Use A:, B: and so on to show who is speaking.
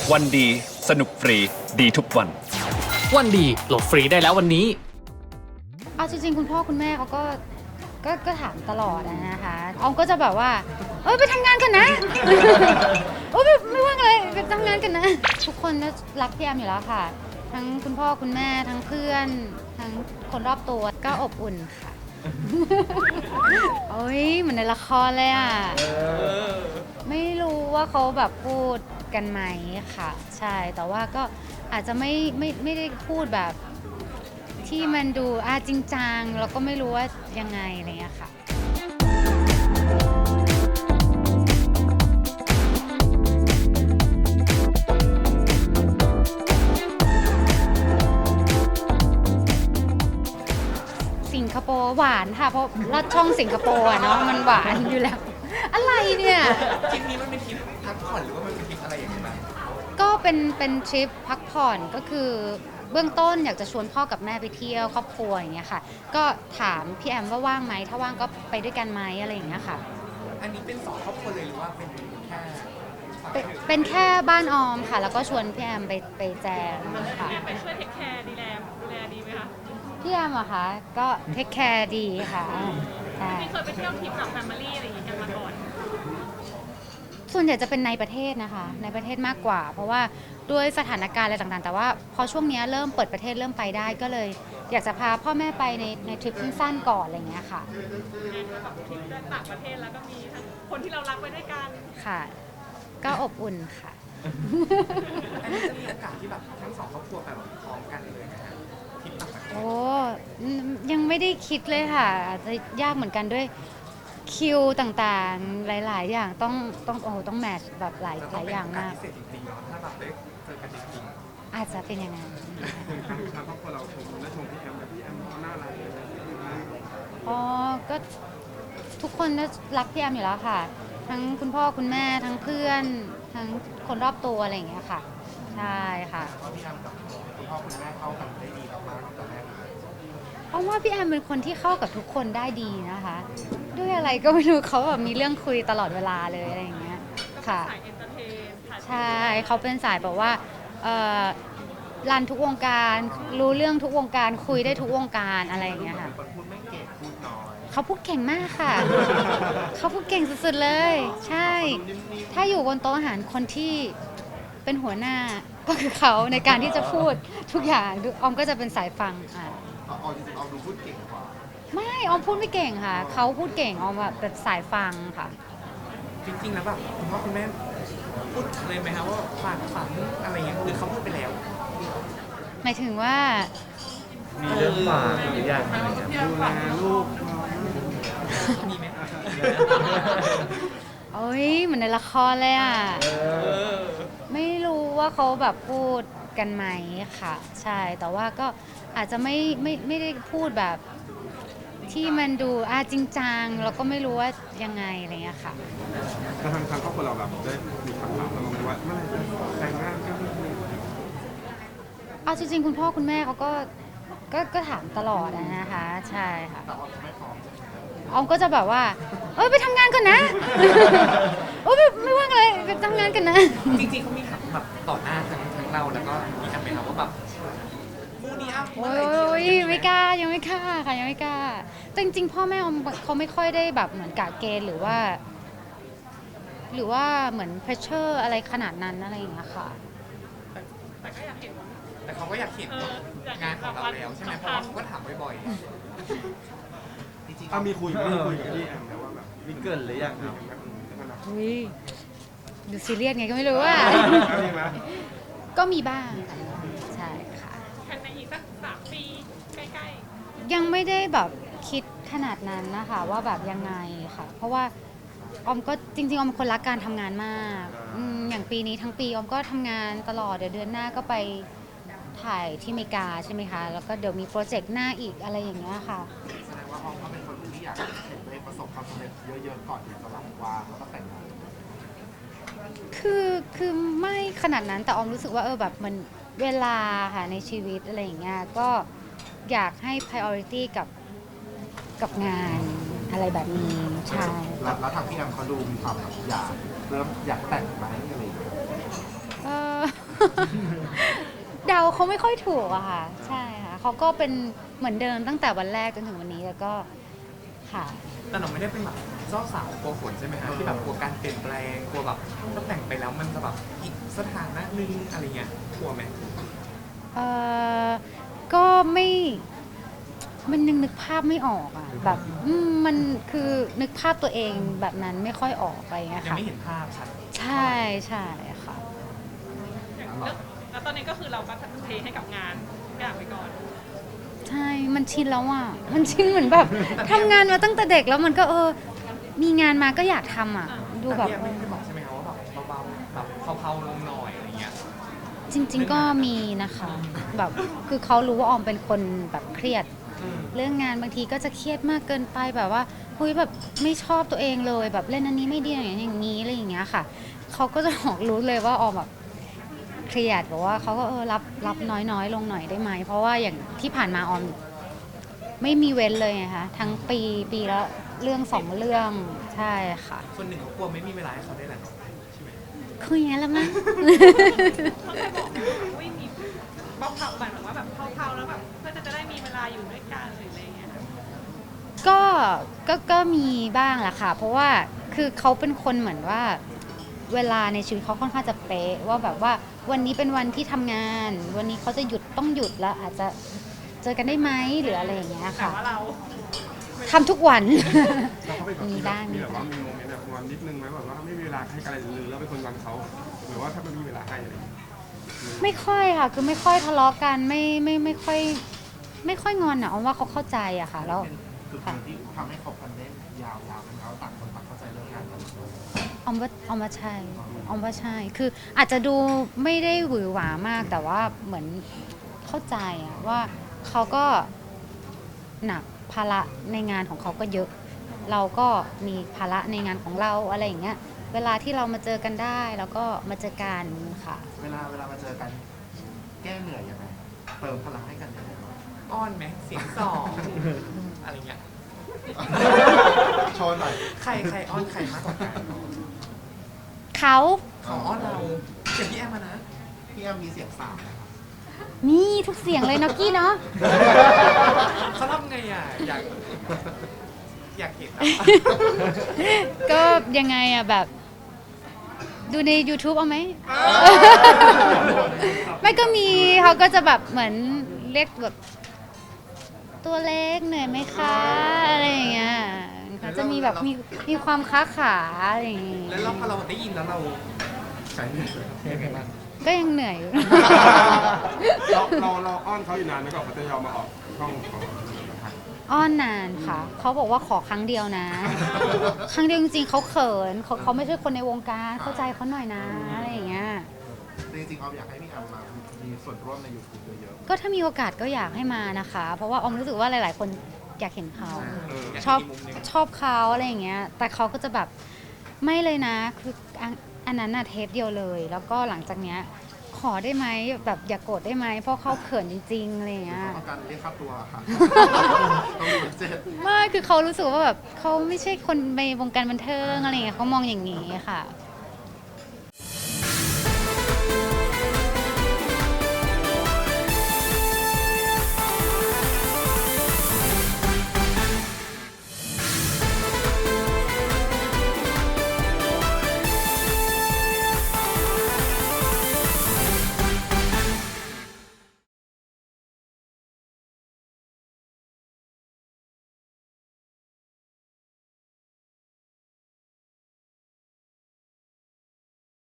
A: วันดีสนุกฟรีดีทุกวัน
B: วันดีโหลดฟรีได้แล้ววันนี้
C: เอาจริงๆคุณพ่อคุณแม่เขาก็ถามตลอดนะคะออมก็จะแบบว่าไปทำงานกันนะ ไม่ว่างเลยไปทำงานกันนะ ทุกคนรักพี่แอมอยู่แล้วค่ะ ทั้งคุณพ่อคุณแม่ทั้งเพื่อนทั้งคนรอบตัวก็อบอุ่นค่ะ โอ้ยเหมือนในละครเลยอ่ะไม่รู้ว่าเขาแบบพูดกันไหมค่ะใช่แต่ว่าก็อาจจะไม่ได้พูดแบบที่มันดูจริงจังแล้วก็ไม่รู้ว่ายังไงอะไรเงี้ยค่ะสิงคโปร์หวานค่ะเพราะลอดช่องสิงคโปร์เนาะมันหวานอยู่แล้วอะไรเนี่ย
D: ทริปนี้มันเป็นทริปพักผ่อนหรือว่ามันเป็นทริปอะไรอย่างเงี้ยบ้าง
C: ก็เป็นทริปพักผ่อนก็คือเบื้องต้นอยากจะชวนพ่อกับแม่ไปเที่ยวครอบครัวอย่างเงี้ยค่ะก็ถามพี่แอมว่าว่างไหมถ้าว่างก็ไปด้วยกันไหมอะไรอย่างเงี้ยค่ะ
D: อันนี้เป็น2 ครอบครัวเลยหรือว่าเป็นแค่
C: เป็นแค่บ้านออมค่ะแล้วก็ชวนพี่แอมไปแจมค่ะ
E: ไปช่วยเทคแคร์ดูแลดีไหมคะ
C: พี่แอมอะคะก็เทคแคร์ดีค่ะใช่
E: ไม่เคยไปเที่ยวทริปแบบแฟมิลี่อะไรอย่างงี้กันมาก่อน
C: ส่วนใหญ่จะเป็นในประเทศนะคะในประเทศมากกว่าเพราะว่าด้วยสถานการณ์อะไรต่างๆแต่ว่าพอช่วงนี้เริ่มเปิดประเทศเริ่มไปได้ก็เลยอยากจะพาพ่อแม่ไปในทริปสั้นๆก่อนอะไรอย่างเงี้ยค่ะ
E: แบบทริปต่างประเทศแล้วก็มีทั้งคนที่เรารักไปด้วยกัน
C: ค่ะก็อบอุ่นค่ะ
D: อันนี้จะมีโอกาสที่แบบทั้ง2 ครอบครัวไปแบบพร้อมกันเลยนะฮะทริปต่างประเทศ
C: โอ้ยังไม่ได้คิดเลยค่ะอาจจะยากเหมือนกันด้วยคิวต่างๆหลายๆอย่างต้องแมทช์แบบหลายอย่างมาก
D: พิเศษจริงๆเนาะถ้าแบบได้เจอกันจริงๆ
C: อาจจะเป็นอย่างนั้น
D: ทางครอบครัวเราชมและชมพี่แอมและพี่แอมเขาน่ารักเลย
C: อ๋อก็ทุกคนรักพี่แอมอยู่แล้วค่ะ ทั้งคุณพ่อคุณแม่ทั้งเพื่อนทั้งคนรอบตัวอะไรอย่างเงี้ยค่ะใช่ค่ะ
D: พี่แอมกับคุณพ่อคุณแม่เข้ากันได้ดีมากๆตั้งแต่แรกเลย
C: เพราะว่าพี่แอมเป็นคนที่เข้ากับทุกคนได้ดีนะคะ ด้วยอะไรก็ไม่รู้เขาแบบมีเรื่องคุยตลอดเวลาเลยอะไรอย่างเงี้ยค่ะ
E: สายเอนเตอร์เทน
C: ใช่เขาเป็นสายแบบว่ารันทุกวงการรู้เรื่องทุกวงการคุยได้ทุกวงการอะไรอย่างเงี้ยค่ะ
D: คนพูดไม่เก่งพูดน้อย
C: เขาพูดเก่งมากค่ะ เขาพูดเก่งสุดๆเลย ใช่ ถ้าอยู่บนโต๊ะอาหารคนที่เป็นหัวหน้าก็คือเขาในการที่จะพูดทุกอย่างออมก็จะเป็นสายฟัง
D: จริงๆเอาดูพูดเก่งกว่า
C: ไม่ออมพูดไม่เก่งค่ะเขาพูดเก่งออมแบบสายฟังค่ะ
D: จริงๆแล้วแบบคุณพ่อคุณแม่พูดเลยไหมครับว่าฝันอะไรอย่างเงี้ยหรือเขาพูดไปแล้ว
C: หมายถึงว่า
D: มีเรื่องฝากหรือยังอะไรอย่างเงี้ยดูแลลูกมีไหม
C: โอ้ยเหมือนในละครเลยอ่ะไม่รู้ว่าเขาแบบพูดกันไหมค่ะใช่แต่ว่าก็อาจจะไม่ได้พูดแบบที่มันดูจริงจังแล้วก็ไม่รู้ว่ายังไงอะไรเงี้ยค่ะ
D: แล้วทางครอบครัวเราแบบได้มีคำถามเราไหมว่าเมื่อไหร่จะแต่งงานกัน
C: เอาจริงๆคุณพ่อคุณแม่เขาก็ถามตลอดนะคะใช่ค่ะ
D: แต่ว่าไม่พร้อม
C: ออมก็จะแบบว่าไปทำงานก่อนนะ ไม่ว่างเลยไปทำงานกันนะ
D: จริงๆเขามีถามแบบต่อหน้าทั้งเราแล้วก็มีทำไหมครับว่าแบบคู่นี้
C: โอ้ยไม่กล้ายังไม่กล้าค่ะยังไม่กล้าแต่จริงๆพ่อแม่ออมเขาไม่ค่อยได้แบบเหมือนกะเกณฑ์หรือว่าเหมือนเพรสเชอร์อะไรขนาดนั้นอะไรอย่างเงี้ยค่ะ
E: แต่ก็อยากเห็น
D: แต่เขาก็อยากเห็นงานของเราแล้วใช่ไหมเพราะว่าเขาก็ถามบ่อยๆจริงๆมีคุยกับพี่แอมแล้วว่าแบบมีเกินหรือยังครับ
C: อุ้ยดูซีเรียสไงก็ไม่รู้ว่าก็มีบ้างค่ะใช่ค่ะ
E: แค่ในอีกสัก3 ปีใกล้
C: ๆยังไม่ได้แบบคิดขนาดนั้นนะคะว่าแบบยังไงค่ะเพราะว่าออมก็จริงๆออมเป็นคนรักการทำงานมากอย่างปีนี้ทั้งปีออมก็ทำงานตลอดเดี๋ยวเดือนหน้าก็ไปถ่ายที่อเมริกาใช่ไหมคะแล้วก็เดี๋ยวมีโปรเจกต์หน้าอีกอะไรอย่างเงี้ยค่ะ
D: แสดงว่าออมก็เป็นคนที่อยากเห็นตัวเองประสบความสำเร็จเยอะๆก่อนที่จะรับวางแล้วก็แต่งงาน
C: คือไม่ขนาดนั้นแต่ออมรู้สึกว่าแบบมันเวลาค่ะในชีวิตอะไรอย่างเงี้ยก็อยากให้ priority กับงานอะไรแบบนี้ใช่
D: แล้วทางพี่แอมเขาดูมีความอยากเริ่มอยากแต่งไหมอะไรอย่างเงี้ย
C: เดาเขาไม่ค่อยถูกอะค่ะ ใช่ค่ะเขาก็เป็นเหมือนเดิมตั้งแต่วันแรกจนถึงวันนี้แล้วก็ค่ะ
D: แต่เราไม่ได้เป็นแบบเจ้าสาวกลัวฝนใช่ไหมฮะที่แบบกลัวการเปลี่ยนแปลงกลัวแบบถ้าแต่งไปแล้วมันจะแบบอีกสถานะหนึงอะไรเงี้ยกลัวไหม
C: เออก็ไม่มันยังนึกภาพไม่ออกอะแบบมันคือนึกภาพตัวเองแบบนั้นไม่ค่อยออกไปเงี้ย
D: ยัง
C: ค่ะ
D: ไม่เห็นภาพชัด
C: ใช่ใช่ค่ะ
E: แล้วตอนนี้ก็คือเราก็เทให้กับงานทุกอย่างไปก่อน
C: ใช่มันชินแล้วอ่ะมันชินเหมือนแบบทำงานมาตั้งแต่เด็กแล้วมันก็มีงานมาก็อยากทำอ่ะดู
D: แต่
C: แบบ
D: พี่แอมไม่ได้บอกใช่ไหมคะว่าแบบเบาๆแบบเผาๆลงหน่อยอะไรเงี้ย
C: จริง ๆ ก็มีนะคะแบบคือเขารู้ว่าออมเป็นคนแบบเครียด เรื่องงานบางทีก็จะเครียดมากเกินไปแบบว่าเฮ้ยแบบไม่ชอบตัวเองเลยแบบเล่นอันนี้ไม่ดีอย่างนี้อะไรอย่างเงี้ยค่ะเขาก็จะบอกรู้เลยว่าออมแบบเครียดบอกว่าเขาก็รับน้อยลงหน่อยได้ไหมเพราะว่าอย่างที่ผ่านมาออมไม่มีเว้นเลยไงคะทั้งปีละเรื่อง2เรื่องใช่ค่ะ
D: คนหนึ่งเขากลัวไม่มีเวลาให้เขาได้แหละเนาะใช่ไหม
C: คุยอย่างนั้นแล้วมั้ง
E: เขาเคยบอกไหมว่าอุ้ยมีเผาๆแบบว่าแบบเผาๆแล้วแบบเพื่อจะได้มีเวลาอยู่ด้วยกันหรืออะไรอย่างเงี้ย
C: ก็มีบ้างแหละค่ะ เพราะว่าคือเขาเป็นคนเหมือนว่าเวลาในชีวิตเขาค่อนข้างจะเป๊ะว่าแบบว่าวันนี้เป็นวันที่ทำงาน วันนี้เขาจะต้องหยุดแล้วอาจจะเจอกันได้ไหมหรืออะไรอย่างเงี้ย
E: แต่
C: ค่ะ
E: ว่าเรา
C: ทำทุกวัน
F: เราก็เป็นแบบ
C: มีบ้าง
F: มีแบบว่ามีโมเมนต์แบบงอนนิดนึงไหมแบบว่าไม่มีเวลาให้กันอะไรเลยแล้วเป็นคนงอนเขาหรือว่าถ้ามันมีเวลาให้อะไรอย่างเงี้ย
C: ไม่ค่อยค่ะ คือไม่ค่อยทะเลาะกันไม่ค่อยงอนอ่ะเอาว่าเขาเข้าใจอะค่ะแล้ว
G: จุดหนึ่งที่ทำให้คบกันได้ยาวๆเป็นเขาต่างคนต่างเข้าใจเรื่องงานกัน
C: ออมว่าใช่คืออาจจะดูไม่ได้หวือหวามากแต่ว่าเหมือนเข้าใจอะว่าเขาก็หนักภาระในงานของเขาก็เยอะ เราก็มีภาระในงานของเราอะไรอย่างเงี้ยเวลาที่เรามาเจอกันได้แล้วก็มาเจอกันค่ะ
G: เวลามาเจอกันแก้เหนื่อยยังไงเติมพลังให้กันยังไง
D: อ้อนไหมเสียงสองอะไรเงี้ย
G: โชว์หน่อย
D: ใครอ้อนใครมากกว่ากัน
C: เขา
D: เขาอ้อนเราเสียงพี่แอมมานะ
G: พี่แอมมีเสียงสามนะครับ
C: นี่ทุกเสียงเลยเนาะกี้เนาะ
D: เขาทำไงอ่ะอยากเห็นอะ
C: ก็ยังไงอะแบบ ดูใน YouTube เอาไหม ไม่ก็มีเขาก็จะแบบเหมือนเรียกแบบตัวเล็กเหนื่อยไหมคะอะไรอย่างเงี้ยเขาจะมีแบบมีความค้าขาอะไรอย่างงี้
D: แล้วพอเราได้ยินแล้วเราใส่ยังไงบ้าง
C: ก็ยังเหนื่อยอยู่
F: เราอ้อนเขาอยู่นานไหมก่อนเขาจะยอมมาออกช่องของ
C: อ้อนนานค่ะ เขาบอกว่าขอครั้งเดียวนะ ครั้งเดียวจริงๆเขาเขินเขาไม่ใช่คนในวงการเข้าใจเขาหน่อยนะอะไรอย่างเงี้ย
G: จริงๆออมอยากให้พี่แอมมามีส่วนร่วมใน YouTube เยอะ
C: ก็ถ้ามีโอกาสก็อยากให้มานะคะ เพราะว่าออมรู้สึกว่าหลาย ๆ คนอยากเห็นเขา
D: อยาก
C: ชอบ
D: เห็นอีกมุมหนึ่ง
C: ชอบเขาอะไรอย่างเงี้ย แต่เขาก็จะแบบไม่เลยนะ คืออันนั้นน่ะเทปเดียวเลย แล้วก็หลังจากเนี้ยขอได้ไหมแบบอย่าโกรธได้ไหมเพราะเขาเขินจริง ๆ อะไรอย่าง
G: ๆ
C: เงี้ย
G: เขาต้องการเรียกค่าตัวค่ะ ต้องมีบัดเจ็ต
C: ไม่คือเขารู้สึกว่าแบบเขาไม่ใช่คนในวงการบันเทิงอะไรอย่างเงี้ยเขามองอย่างนี้ค่ะ